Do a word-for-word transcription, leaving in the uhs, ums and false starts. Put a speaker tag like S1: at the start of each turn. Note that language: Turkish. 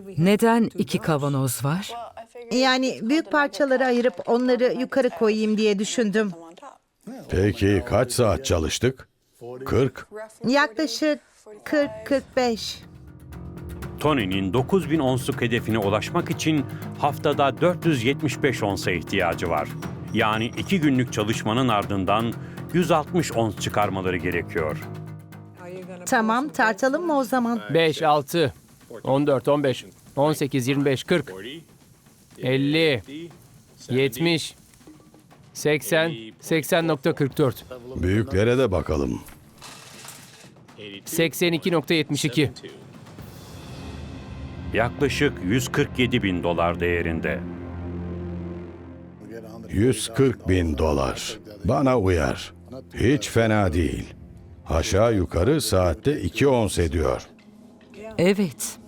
S1: Neden iki kavanoz var?
S2: Yani büyük parçalara ayırıp onları yukarı koyayım diye düşündüm.
S3: Peki kaç saat çalıştık? kırk.
S2: Yaklaşık kırk kırk beş.
S4: Tony'nin dokuz bin onsluk hedefine ulaşmak için haftada dört yüz yetmiş beş onsa ihtiyacı var. Yani iki günlük çalışmanın ardından yüz altmış ons çıkarmaları gerekiyor.
S2: Tamam, tartalım mı o zaman?
S5: beş, altı, on dört, on beş, on sekiz, yirmi beş, kırk, elli, yetmiş, seksen, seksen nokta kırk dört,
S3: Büyüklere de bakalım.
S5: seksen iki nokta yetmiş iki.
S4: Yaklaşık yüz kırk yedi bin dolar değerinde.
S3: yüz kırk bin dolar. Bana uyar. Hiç fena değil. Aşağı yukarı saatte iki ons ediyor.
S1: Evet.